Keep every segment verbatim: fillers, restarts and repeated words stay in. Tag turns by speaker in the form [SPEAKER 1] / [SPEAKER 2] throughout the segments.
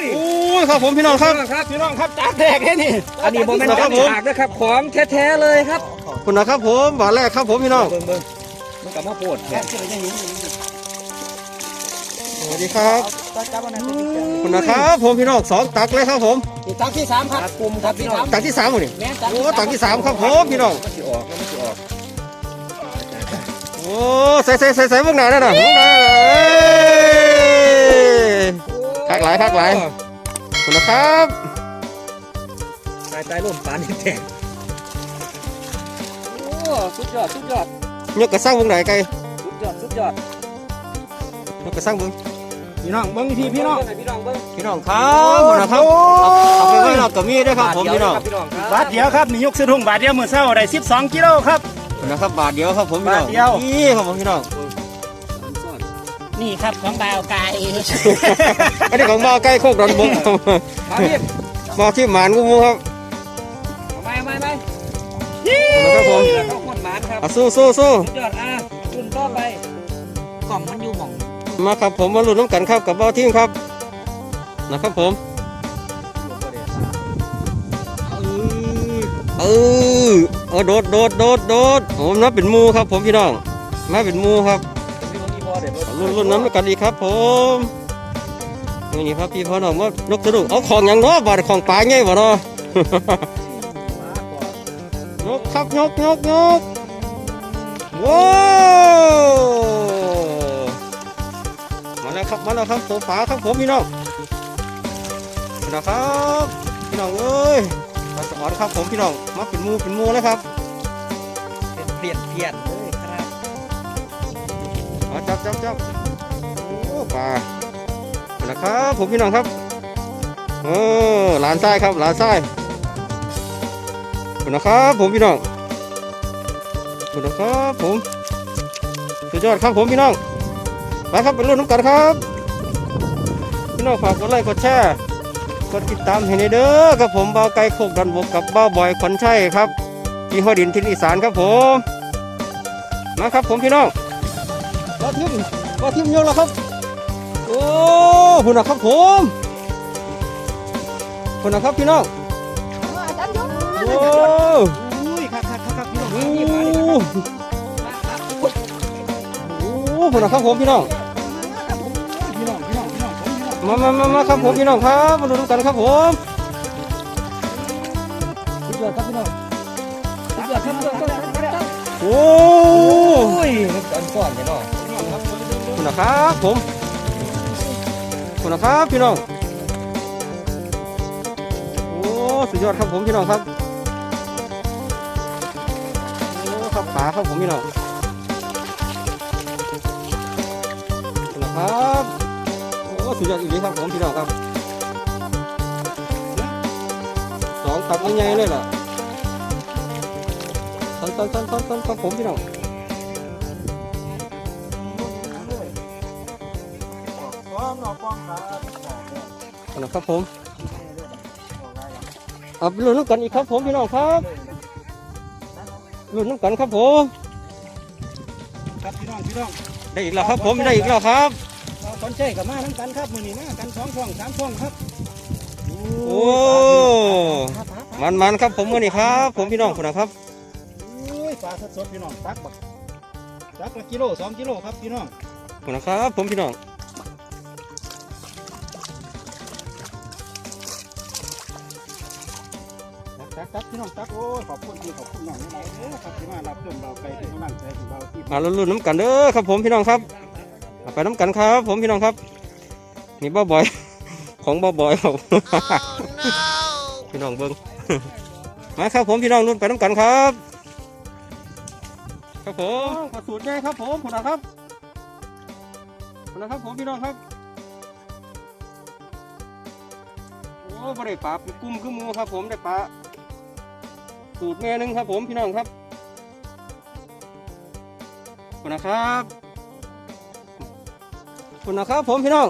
[SPEAKER 1] โอ้ยครับผมพี่น้องครับ
[SPEAKER 2] ครับพี่น้องครับจากแรกแค่นี้อันนี้โมเมนต์จากฉากนะครับของแท้ๆเลยครับ
[SPEAKER 1] คุณนะครับผมบาทแรกครับผมพี่น้อง
[SPEAKER 2] เบิ่งเบิ่งมันกับมะโพดแท้
[SPEAKER 1] สวัสดีครับคุณนะครับผมพี่น้องสองตักเลยครับผม
[SPEAKER 3] ตักที่สามครับ
[SPEAKER 2] กลุ่มครับพี่น้อง
[SPEAKER 1] ตักที่สามหมดนี่
[SPEAKER 3] แม่ตัก
[SPEAKER 1] โอ้ตักที่สามครับผมพี่น้อง
[SPEAKER 2] มันจะออกแล้วมันจะออก
[SPEAKER 1] โอ้ใส่ใส่ใส่ใส่พวกไหนนั่นน่ะพวกไหนคักหลายคักหลายคุณนะครับ
[SPEAKER 2] ตายตายร่มปานนี่แตกโอ้สุดยอดสุดยอด
[SPEAKER 1] ยกกระซังพวกไหนไกล
[SPEAKER 2] สุดยอดสุดยอด
[SPEAKER 1] ยกกระซังพวก
[SPEAKER 3] พี่น้องเบิ้งทีพี่น้อง
[SPEAKER 2] พี่น้องเบิ้ง
[SPEAKER 1] พี่น้องครับคุณนะครับเอาไปไว้เรากับมีด้วยครับผมพี่น้อง
[SPEAKER 2] พี่น้องครับ
[SPEAKER 3] บาทเดียวครับนี่ยกสะดุ้งบาทเดียวมือเศร้าได้สิบสองกิโลครับ
[SPEAKER 1] คุณนะครับบาทเดียวครับผมพี่น้อง
[SPEAKER 3] บาทเดียว
[SPEAKER 1] นี่ครับผมพี่น้อง
[SPEAKER 3] นี่ครับของบ่าวไก่
[SPEAKER 1] อันนี้ของบ่าวใกล้โคกดอนบกครับ
[SPEAKER 2] มาพี่
[SPEAKER 1] มาที่หมานกูมูครับ
[SPEAKER 2] ไม่ไม่ไม่
[SPEAKER 1] นะครับผม
[SPEAKER 2] เข้าคนหมานครับ
[SPEAKER 1] อ่ะสู้สู้สู้
[SPEAKER 2] สุดยอดอ่ะรุ่นต่อไปกล่องมันอยู่หม่อง
[SPEAKER 1] มาครับผมมาลุ้นน้ำกันครับกับบ่าวทีมครับนะครับผมเออเออโดดโดดโดดโดดผมนับเป็นหมูครับผมพี่น้องมาเป็นหมูครับลุ้นลุ้นน้ำกันอีกครับผมนี่ครับพี่พ่อน้องมานกสะดุ้งเอาของอย่างเนาะบาดของปลาไงบ่เนาะ ยกครับยกยกยกว้าวมาแล้วครับมาแล้วครับตัวปลาครับผมพี่น้องนะครับพี่น้องเอ้ยปลาสวรรค์ครับผมพี่น้องมาเป็นหมูเป็นหมูเลยครับ
[SPEAKER 2] เป็นเปลี่ยนเปลี่ยนเลยครับ
[SPEAKER 1] มาจับจับจับโอ้ปลานะครับผมพี่น้องครับเออหลานไส้ครับหลานไส้ขอบคุณนะครับผมพี่น้องขอบคุณนะครับผมสุดยอดครับผมพี่น้องไปครับเป็นรุ่นน้ำกันครับพี่น้องฝากกดไลค์กดแชร์กดติดตามให้ในเด้อครับผมบ่าวไก่โคกดันบกกับบ่าวบอยขวัญชัยครับที่ห้อดินทินอีสานครับผมมาครับผมพี่น้องว่าทิมว่าทิมโยนแล้วครับโอ้คุณนะครับผมคุณนะครับพี่น้องโอ้
[SPEAKER 3] อุ้ยครับครับครับพี่น้อง
[SPEAKER 1] โหโอ้โหคุณนะครับผมพี่น้อง
[SPEAKER 3] พี่น้องพี่น้องพี่น้องผมพี่น้อง
[SPEAKER 1] มามามามาครับผมพี่น้องครับมาดูกันครับผม
[SPEAKER 3] สุดยอดครับพี่น้องสุดยอดครับสุดยอดครับ
[SPEAKER 1] โอ้
[SPEAKER 2] โอ้ยมันก้อนก้อนเลยเนาะ
[SPEAKER 1] คุณนะครับผมคุณนะครับพี่น้องโอ้สุดยอดครับผมพี่น้องครับโอ้ครับขาครับผมพี่น้องคุณนะครับโอ้สุดยอดอีกทีครับผมพี่น้องครับสองตับใหญ่ๆเลยล่ะต้นต้นต้นต้นต้นครับผมพี่น้องนะครับผมเอาไปลุ้นน้ำกันอีกครับผมพี่น้องครับลุ้นน้ำกันครับผม
[SPEAKER 3] ครับพี่น้องพี่น้อง
[SPEAKER 1] ได้อีกแล้วครับผมได้อีกแล้วครับ
[SPEAKER 3] เราคนใช้กับมาน้ำกันครับมือนี้มากันสองช่องสามช่องครับ
[SPEAKER 1] โอ้มันมันๆครับผมมื่อนี้ครับผมพี่น้องคุณนะครับ
[SPEAKER 3] อุ้ยปลาสดๆพี่น้องตักบักตักละกิโลสองกิโลครับพี่น้อง
[SPEAKER 1] คุณนะครับผมพี่น้อง
[SPEAKER 3] ตักตักพี่น้องตักโอ้ยขอบคุณพี่ขอบคุณน้องนี่เด้อครับที่มารับชมเราไปที่กำลังใจของเราที่
[SPEAKER 1] มาลุ้นน้ำกันเด้อครับผมพี่น้องครับเอาไปน้ำกันครับผมพี่น้องครับนี่บ้าบอย ของบ้าบอยครับ พี่น้องเบิ้ง มาครับผมพี่น้องลุ้นไปน้ำกันครับครับผมกระสุนใหญ่ครับผมคุณนะครับคุณนะครับผมพี่น้องครับโอ้บ่ได้ปลาเป็นกุ้มขึ้นมูครับผมได้ปลาสูตรแม่หนึงครับผมพี่น้องครับคุณนะครับคุณนะครับผมพี่น้อง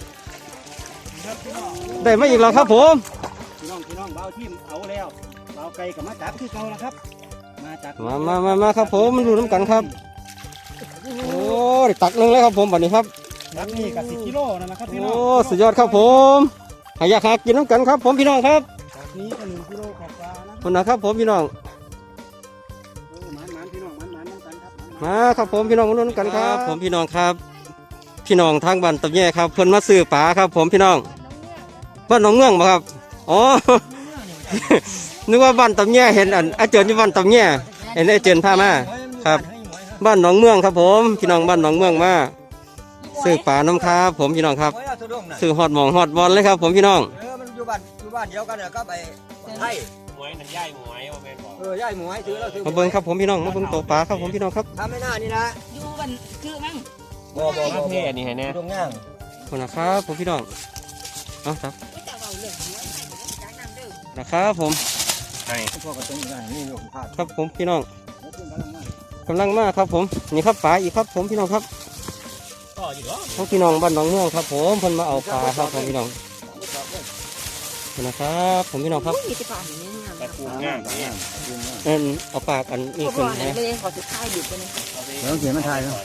[SPEAKER 1] ได้มาอีกแล้วครับผม
[SPEAKER 3] พี่น้องพี่น้องเบาทีมเอาแล้วเบาไก่กับมาจับคือเก่าแล้วครับมาจาก
[SPEAKER 1] มามามามาครับผมมันดูน้ำกันครับโอ้ได้ตักหนึงแล้วครับผมบัดนี้ครับ
[SPEAKER 3] รับนี่กับสิบกิโลนั่นนะครับพี่น้
[SPEAKER 1] โอ้
[SPEAKER 3] อง
[SPEAKER 1] สุดยอดครับผมหายากหากินน้ำกันครับ ผมพี่น้องครับ
[SPEAKER 3] จากนี้ก็หนึ่งกิโลกว่าๆนะ
[SPEAKER 1] คนนะครับผมพี่น้อง
[SPEAKER 3] โอ้หมานหมานพี่น้องหมานหมานน้ำกันครับหมานหมาน
[SPEAKER 1] มาครับผมพี่น้องมาลุ้นกันครับ ผมพี่น้องครับ พี่น้องทางบ้านตะแย่ครับเพิ่นมาซื้อปลาครับ ผมพี่น้องบ้านหนองเมืองบ่ครับอ๋อ นึกว่าบ้านตะแย่เห็นอันอาเจินอยู่บ้านตะแย่เห็นอาเจินพามาครับ บ้านหนองเมืองครับ ผมพี่น้องบ้านหนองเมืองมาซื้อปลาน้ำครับผมพี่น้องครับซื้อฮอดหมองฮอดบอลเลยครับ ผมพี่น้อง
[SPEAKER 2] เออมันอยู่บ้านอยู่บ้านเดียวกันเนี่ยก็ไปไทย
[SPEAKER 4] หมวยนั่นย่ายหมวยว่าแม่นบอก
[SPEAKER 2] เออย่ายหมวยถือแล้วถือ
[SPEAKER 1] มาเบิ่งครับผมพี่น้องมาเบิ่งตัวปลาครับผมพี่น้องครับ
[SPEAKER 2] ทำไม่น่านี่นะ
[SPEAKER 5] อยู่บันคือมั้ง
[SPEAKER 2] บ่บ่บ่
[SPEAKER 4] เท่นี่ให้แน่
[SPEAKER 2] ตรงย่าง
[SPEAKER 1] คนนะครับผมพี่น้องเอาครับ
[SPEAKER 5] จะเอาเรื่องหัวให้มันจักน้ำเด้อ
[SPEAKER 1] นะครับผม
[SPEAKER 4] ให้
[SPEAKER 2] พวกกระตุ้งย่างนี่ลูกพาด
[SPEAKER 1] ครับผมพี่น้อง
[SPEAKER 3] แล้วขึ้นกำลังมาก
[SPEAKER 1] ำลังมาครับผมนี่ครับปลาอีกครับผมพี่น้องครับ
[SPEAKER 4] ก็อยู่เนาะ
[SPEAKER 1] ทั้งพี่น้องบ้านหนองเมืองครับผมเพิ่นมาเอาปลาครับผมพี่น้องขอบคุณนะครับผมพี่น้องครับ
[SPEAKER 5] มีแต่ปลาอย่างนี้งาม
[SPEAKER 4] ตะปูงามนี่
[SPEAKER 1] อันเอาปากอันนี้
[SPEAKER 5] เขาบ
[SPEAKER 1] ขึ้น
[SPEAKER 5] อก
[SPEAKER 1] นะ
[SPEAKER 5] นั่นเลยขอสุดท้ายดิบไปเลย
[SPEAKER 2] เดี๋ยวเขียนมาถ่ายครับ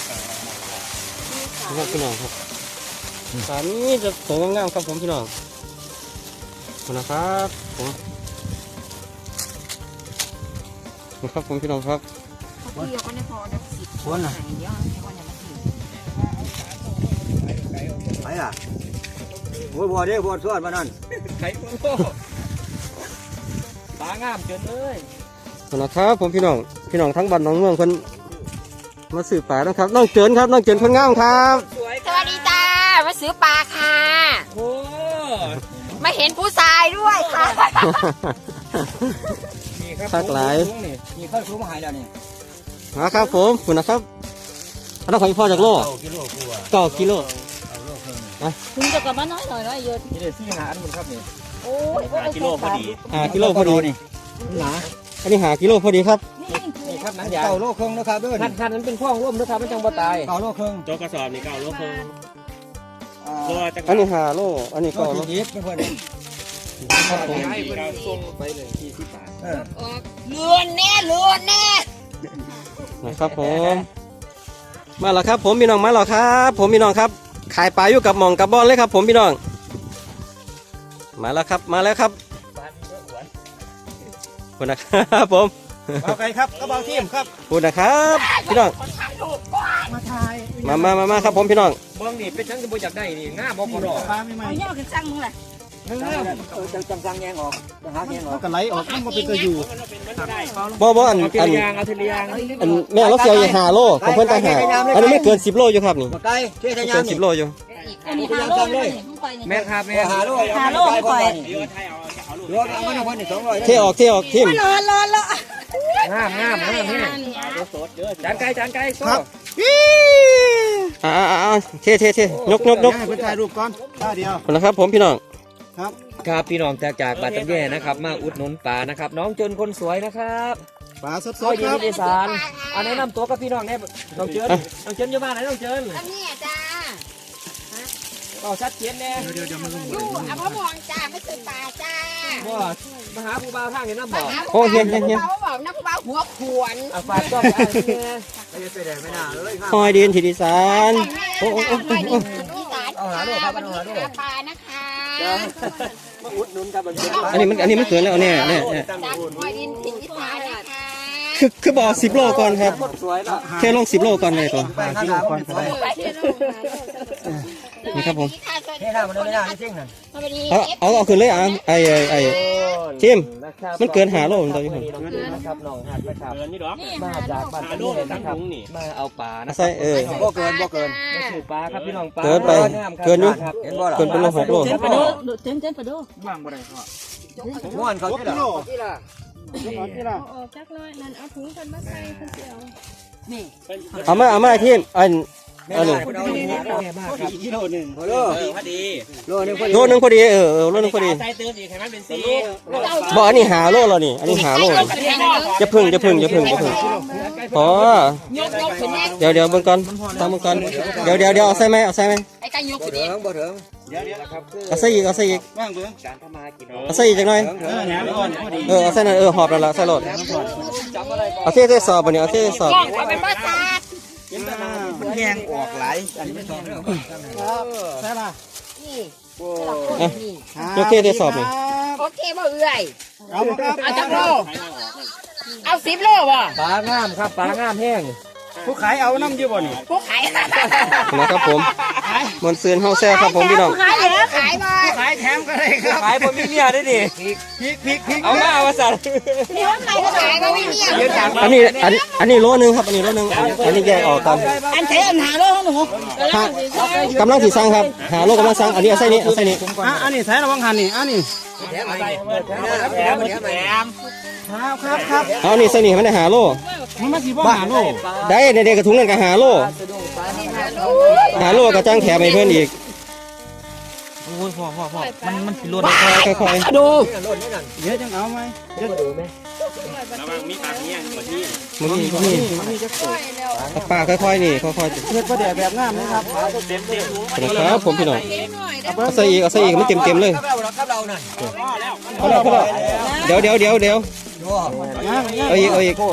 [SPEAKER 1] พี่น้องพี่น้องครับปลานี้จะสวยงามๆครับผมพี่น้องขอบคุณนะครับผมนี่ครับผมพี่น้องครับ
[SPEAKER 5] เขาเที่ยวก็ได้พอได้สิบคนไหนเดียวให้วันนี้มาถึง
[SPEAKER 2] ไปอ่ะโอ้ยบ่ได้บ่ทวดมานั่น
[SPEAKER 4] ไข่ปูตางามจนเลย
[SPEAKER 1] ขอบคุณนะครับผมพี่น้องพี่น้องทั้งบ้านหนองเมืองเพิ่นมาสืบปลานะครับน้องเจินครับน้องเจินคนงามครับ
[SPEAKER 4] สวย
[SPEAKER 5] สวัสดีจ้ามาซื้อปลาค่ะ
[SPEAKER 4] โอ้
[SPEAKER 5] มาเห็นผู้ชายด้วยค่ะ
[SPEAKER 4] นี่ครับ
[SPEAKER 1] ทักหลาย
[SPEAKER 2] นี่นี่เข้าคุ้มหายแล้วนี่
[SPEAKER 1] มาครับผมขอบคุณนะครับอันนั้นของพ่อจากโล
[SPEAKER 4] เก้ากิโลกว่า
[SPEAKER 1] เก้ากิโล
[SPEAKER 2] เอาโลกเพิ่ม
[SPEAKER 5] คุณจะกลับมาน้อยหน่อยน้อยเยอะ
[SPEAKER 2] นี่เดี๋ยวซี่หาอันหมดครับนี่
[SPEAKER 5] โอ้ย
[SPEAKER 4] ห้ากิโลพอดี
[SPEAKER 1] ห้ากิโลพอดี
[SPEAKER 2] นี่หนา
[SPEAKER 1] อันนี้หากิโลพอดีครับ
[SPEAKER 5] นี่
[SPEAKER 2] นี่ครับหนังยางเก่าโลกครึ่งนะครับเด้อ
[SPEAKER 4] คันคันนั้นเป็นพ่องร่วมนะครับมันจังบ่ตาย
[SPEAKER 2] เก่าโลกครึ่ง
[SPEAKER 4] โจกกระสอบนี่เก้าโลครึ่ง
[SPEAKER 2] อ่า
[SPEAKER 4] ตัวจัง
[SPEAKER 1] อันนี้หาโลอันนี้
[SPEAKER 2] โล
[SPEAKER 1] ก็
[SPEAKER 2] ก
[SPEAKER 1] โล
[SPEAKER 2] ที่ดิบเพื่อน
[SPEAKER 1] ครับผม
[SPEAKER 4] ให้เพิ่นส่งไปเลยสี่สิบบาท
[SPEAKER 2] เออ
[SPEAKER 5] ออกเลือนแน่เลือนแน่
[SPEAKER 1] นะครับผมมาแล้วครับ ผมพี่น้องมาแล้วครับ ผมพี่น้องครับขายปลาอยู่กับหม่องกับบอลเลยครับ ผมพี่น้อง มาแล้วครับมาแล้วครับ
[SPEAKER 4] บ้านเยอะหวน
[SPEAKER 1] ขอบคุณนะครับผม
[SPEAKER 3] เอาไก่ครับก็เบาทีมครับ
[SPEAKER 1] ขอบคุณนะครับพี่น้อง
[SPEAKER 3] มาถ่าย
[SPEAKER 1] มามามามาครับผมพี่น้อง
[SPEAKER 4] เบิ่งนี่เป็นจังจะบ่อยากได้นี่งามบ่พอดอก
[SPEAKER 3] ปลาไม่ไหม
[SPEAKER 5] เอาย่อกันจังมึงแหละ
[SPEAKER 2] เออจังจังจังแยงออกจังหาแยงออ
[SPEAKER 3] มัน
[SPEAKER 2] ก
[SPEAKER 3] ก็ไหลออกมันมาเป็นตัวอยู่
[SPEAKER 4] มันเป็นมันได้
[SPEAKER 1] บ่บ่อัน
[SPEAKER 4] เอาที
[SPEAKER 1] อัน
[SPEAKER 4] ละอยางเอาทีละอยาง
[SPEAKER 1] อันแม่เราเสียวอยู่หาโลของเพื่อนต่างหากอันนี้ไม่เกินสิบโลอยู่ครับนี่
[SPEAKER 2] มาไกลเที่ยทะยา
[SPEAKER 1] เกิ
[SPEAKER 2] น
[SPEAKER 1] นสิ
[SPEAKER 2] นี่
[SPEAKER 1] บโลอยู่
[SPEAKER 5] อันนี้หาโลเลยไปนี่
[SPEAKER 4] แม่นครับแม่
[SPEAKER 2] หาโล
[SPEAKER 5] หาโลไม่ปล่อย
[SPEAKER 4] เดี๋ยวไทยเอาเอาลูก
[SPEAKER 2] เดี๋ยวเอามันเอาคนนี่สองร้อย
[SPEAKER 1] เทออกเทออกทิม
[SPEAKER 5] รอรอรอง
[SPEAKER 4] ามงามงามนี่สดเด้อจานไก่จานไก่ครับ
[SPEAKER 1] อ่าอ่าอ่าเทเทเทยกยกยก
[SPEAKER 3] ให้เพิ่นถ่ายรูปก่อนท่าเดียว
[SPEAKER 1] ขอบคุณนะครับผมพี่น้อง
[SPEAKER 3] ครับ
[SPEAKER 2] ครับพี่น้องจากจากบัตรตำแย่นะครับมาอุดหนุนป่านะครับ น้องจนคนสวยนะครับ
[SPEAKER 3] ปลาสด
[SPEAKER 2] ซอย
[SPEAKER 3] ๆ
[SPEAKER 2] ดี
[SPEAKER 3] ครับ
[SPEAKER 2] อีสานอันแนะนำตัวกับพี่น้องเนี่ยน้องเจินน้องเจินอยู่บ้านไหนน้องเจิน
[SPEAKER 5] อันนี้จ้า
[SPEAKER 2] ต่อชัดเจนแน่
[SPEAKER 3] เดี๋ยวเดี๋ยวมัน
[SPEAKER 5] อยู่อภพรจ้าไม่ซื้อปลาจ้า
[SPEAKER 2] ว่ามาหาผู้บ่าวทางเห็นน้ำบ่อ
[SPEAKER 1] โอ้เฮียนเฮียนเฮียน
[SPEAKER 5] เขาบอกน้ำเบาหัวขวน
[SPEAKER 2] อ่ะฝากก็ไปเนี่ยไม่ได้ไปไหนไม่น่าเลยครับ
[SPEAKER 1] คอยดินทิดิสานโอ้โอ้โอ้โอ้โอ้
[SPEAKER 5] อีสานวันนี้หาปลานะคะ
[SPEAKER 2] มาอุดหนุนครับมันเป็น
[SPEAKER 1] อันนี้มันอันนี้มันเกินแล้วเนี่ยเนี่ยเนี่ย
[SPEAKER 5] จากคอยดินถิ่นอีสานนะคะ
[SPEAKER 1] คือคือบอกสิบโลก่อนครับ
[SPEAKER 2] คนสวยแล้ว
[SPEAKER 1] แค่ลงสิบโลก่อนเลยตัว
[SPEAKER 2] ไปข้างหลังคนสวย
[SPEAKER 5] ไปเที่ยว
[SPEAKER 1] นี่ครับผม
[SPEAKER 2] เท่หน้ามันไม่น่าจริงนั่น
[SPEAKER 5] สวัสดี
[SPEAKER 1] เอาเอาเอาขึ้นเลยอ่ะไอ้ไอ้ไอ้ ทิมมันเกินหาโลมันตัวอยู่ผม
[SPEAKER 2] นะครับน้องหัดไปครับ
[SPEAKER 4] เกินนี่ดอก
[SPEAKER 2] มาจากบ้าน
[SPEAKER 4] หา
[SPEAKER 2] ตะ
[SPEAKER 4] ลู
[SPEAKER 2] ลุ
[SPEAKER 4] ก
[SPEAKER 2] ง
[SPEAKER 4] ทั้
[SPEAKER 2] นะ
[SPEAKER 4] ง
[SPEAKER 2] ครับ
[SPEAKER 4] ถุงนี่
[SPEAKER 2] มาเอาป่านะ
[SPEAKER 1] ใส่เออ
[SPEAKER 2] บ่เกินบ่เกินมาสู่ป่าครับพี่น้องป่า
[SPEAKER 1] เกินไปเกินอยู่
[SPEAKER 2] เห็นบ่ล่ะ
[SPEAKER 1] เกินเป็นโลหกโล
[SPEAKER 5] เจนปะโดเจนเจนปะโด
[SPEAKER 3] ว่างบ่ได้พ่อ
[SPEAKER 2] ม่วนเขาที่ละ
[SPEAKER 3] ที่ล่ะที่ล่ะ
[SPEAKER 6] ออกจากน้อยนั่นเอาถุงกันมาใส่คนเดียว
[SPEAKER 5] นี่
[SPEAKER 1] เอามาเอามาทิมอัน
[SPEAKER 2] แม่
[SPEAKER 1] อัน
[SPEAKER 2] ได้
[SPEAKER 1] นี้
[SPEAKER 2] คุณเอาดีนะแม่มากครับ
[SPEAKER 3] อีกกิโลหนึ่ง
[SPEAKER 2] โอ้โห
[SPEAKER 4] เออพอดี
[SPEAKER 2] โลนึงพอดี
[SPEAKER 1] โลนึงพอดีเออเออโลนึงพอดี
[SPEAKER 4] ใส่เติมอีกให้มันเป็นสี
[SPEAKER 1] บอกอันนี้หาโลแล้วนี่อันนี้หาโลจะพึ่งจะพึ่งจะพึ่งจะพึ่งพอย
[SPEAKER 5] กยกขึ้นแน่
[SPEAKER 1] เดี๋ยวเดี๋ยวเบิ่งก่อนตามเบิ่งก่อนเดี๋ยวเดี๋ยวเดี๋ยวเอาใส่ไหมเอาใส่ไหม
[SPEAKER 5] ไอ้กันยก
[SPEAKER 2] บ่
[SPEAKER 5] ขึ้น
[SPEAKER 2] ถึ
[SPEAKER 5] แน่
[SPEAKER 2] งบ่ถึง
[SPEAKER 3] เดี๋ยวเดี๋ยว
[SPEAKER 4] นะครับคือ
[SPEAKER 1] เอาใส่อีกเอาใส่อีก
[SPEAKER 3] ว่างเบิ่ง
[SPEAKER 4] การทำมากิน
[SPEAKER 1] เอาใส่อีกจังหน่อย
[SPEAKER 2] ถึง
[SPEAKER 3] เออแหนมก่อนพอดี
[SPEAKER 1] เออเอาใส่นั่นเออหอบแล้วล่ะใส่รถ
[SPEAKER 2] จับอะไรก่อน
[SPEAKER 1] เอาเทใส่สอบบ่เนี่ยเอาเทใส่สอบ
[SPEAKER 5] กล้องไปเป็นภาษา
[SPEAKER 3] อ่าแห้งออกหลายอันนี้ครับใช่ล่ะ
[SPEAKER 5] นี่
[SPEAKER 1] โอเคได้สอบนี่
[SPEAKER 5] โอเคบ่เอื่อย
[SPEAKER 3] เอาบ่ครับ
[SPEAKER 5] เอาจักโลเอาสิบโลบ่
[SPEAKER 2] ปลางามครับปลางามแห้ง
[SPEAKER 3] ผู้ขายเอาน้ำอยู่บ่นี่
[SPEAKER 5] ผู้ขาย
[SPEAKER 1] นะครับผมมวนซืนเฮาแซ่ครับผมพี่น้อง
[SPEAKER 5] ขายแล้วขายบ่
[SPEAKER 3] ขายแถมก็ได้ครับ
[SPEAKER 2] ขายผมมีเมียได้ดิ
[SPEAKER 3] พริกพริกพริก
[SPEAKER 2] เอามาเอามาสั่น
[SPEAKER 5] เดี๋ยวขายก็ขายก็ไม่มีอ่ะ
[SPEAKER 1] อันนี้อันอันนี้โลนึงครับอันนี้โลนึงอันนี้แยกออกกัน
[SPEAKER 5] อันเทอันหาโลของหนู
[SPEAKER 1] ฮะกำลังสีสั่งครับหาโลกำลังสั่งอันนี้เอาใส่นี้เอาใส่นี้
[SPEAKER 3] อ่ะอันนี้ใส่ระวังหันนี่อันนี้
[SPEAKER 2] แถมแถมแถมแถม
[SPEAKER 3] ครับครับครับ
[SPEAKER 1] เอานี่ใส่นี่มันได้หาโล
[SPEAKER 3] มันมาสิบ่หาโล
[SPEAKER 1] ได้ในเด็กกระถุงนั่นก็หาโลหาโลก็จ้างแถมให้เพื่อนอีก
[SPEAKER 2] โอ้ยพ่อพ่อพ่อมันมันสิลด
[SPEAKER 1] ค่อยๆ
[SPEAKER 2] ดู
[SPEAKER 3] เดี๋ยวจังเอาไหมเดี๋ยว
[SPEAKER 1] มึงนี่มึงนี่ปลาค่อยๆนี่ค่อยๆ
[SPEAKER 3] เฮ็ดประเดี๋ยวแบบงามนะครับ
[SPEAKER 1] ครับผมพี่น้องเอาใส่อีกเอาใส่อีกมันเต็มเต็มๆเลย
[SPEAKER 2] ครับเราน่ะ
[SPEAKER 1] เขาแล้วเขาแล้วเดี๋ยวเดี๋ยวเดี๋ยวเดี๋ยว
[SPEAKER 3] งามงาม
[SPEAKER 1] เอาอีกเอาอีก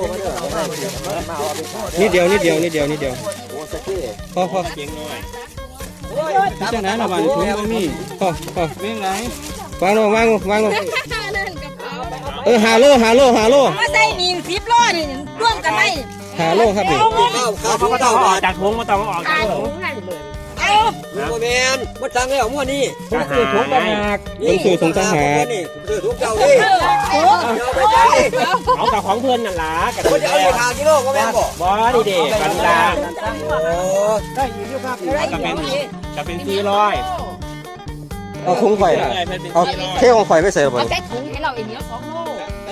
[SPEAKER 1] นิดเดียวนิดเดียวนิดเดียวนิดเดียวพอพอ
[SPEAKER 3] พี่จังไหนล่ะบ้านถุงบ่มี
[SPEAKER 1] พอพอ
[SPEAKER 3] เม่งไหน
[SPEAKER 1] วางลงวางลงวางลง
[SPEAKER 6] นั่นกระเป๋า
[SPEAKER 1] เออหาโลหาโลหาโล
[SPEAKER 5] มาใส่มีสิบโลนี่ร่วมกันได้
[SPEAKER 1] หาโลครับนี่
[SPEAKER 2] เขาก็ต้องออกจากถุงมาต้องออก
[SPEAKER 5] ขายถุงนั่นเอา
[SPEAKER 2] โมเมนมาจังแล้วมั่วนี่ผมคือถุงต่างหาก
[SPEAKER 1] มันคือถุงต่างหาก
[SPEAKER 2] คือถุงเจ้าดิ
[SPEAKER 5] โอ้
[SPEAKER 4] เอากับของเพื่อนนั่นล่ะกับ
[SPEAKER 2] คนจะเอาอยู่ทางกิโลก็แม่บอก
[SPEAKER 4] บอดีเด็กกันดา
[SPEAKER 3] ได้อีกอยู่ครับ
[SPEAKER 4] จะเป็นจะเป็นสี่ร้อย
[SPEAKER 1] เอาถุงไข่เอาเท่ของไข่ไม่ใส่หรอ
[SPEAKER 5] เอาใส่ถุงให้เราเองเดียวสองโล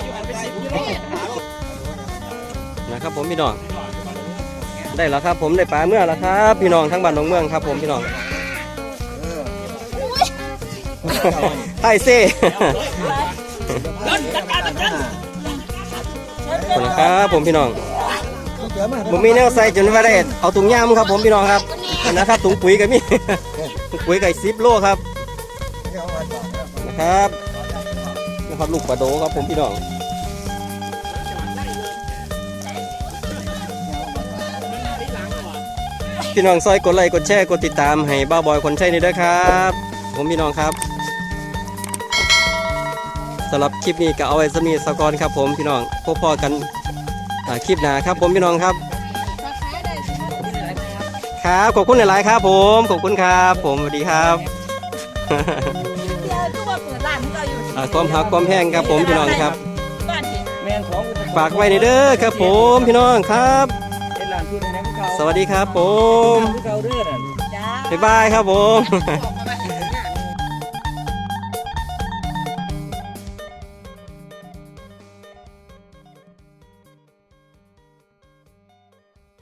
[SPEAKER 1] นะครับผมพี่น้องได้แล้วครับผมได้ปลาเมื่อแล้วครับพี่น้องทั้งบ้านทั้งเมืองครับผมพี่น้องไทยเซ่ขอบคุณครับผมพี่น้องผมมีแนวใส่จนว่าได้เอาถุงย่ามครับผมพี่น้องครับนะครับถุงปุ๋ยกับมีถุงปุ๋ยไก่ซิปโลครับนะครับนะครับลูกปลาโดครับผมพี่น้องพี่น้องซอยกดไลค์กดแชร์กดติดตามให้บ้าบอยคนใช่นี่ด้วยครับผมพี่น้องครับสำหรับคลิปนี้ก็เอาไว้สมีสกอนครับผมพี่น้องพบพอกันคลิปหน้าครับผมพี่น้องครับครับขอบคุณหลายๆครับผมขอบคุณครับผมสวัสดีครับ
[SPEAKER 5] เดี๋ยวตู้ว่าเปิดร้านที่เราอยู่
[SPEAKER 1] อ่าความหักความแพงครับผมพี่น้องครับ
[SPEAKER 5] บ้านที่
[SPEAKER 2] แม่นของ
[SPEAKER 1] ฝากไว้ในเด้อครับผมพี่น้องครับ
[SPEAKER 2] เป็นหลานที่ในนั้นเขา
[SPEAKER 1] สวัสดีครับผม
[SPEAKER 2] เขาเรื่อย
[SPEAKER 5] จ้า
[SPEAKER 1] บ๊ายบายครับผม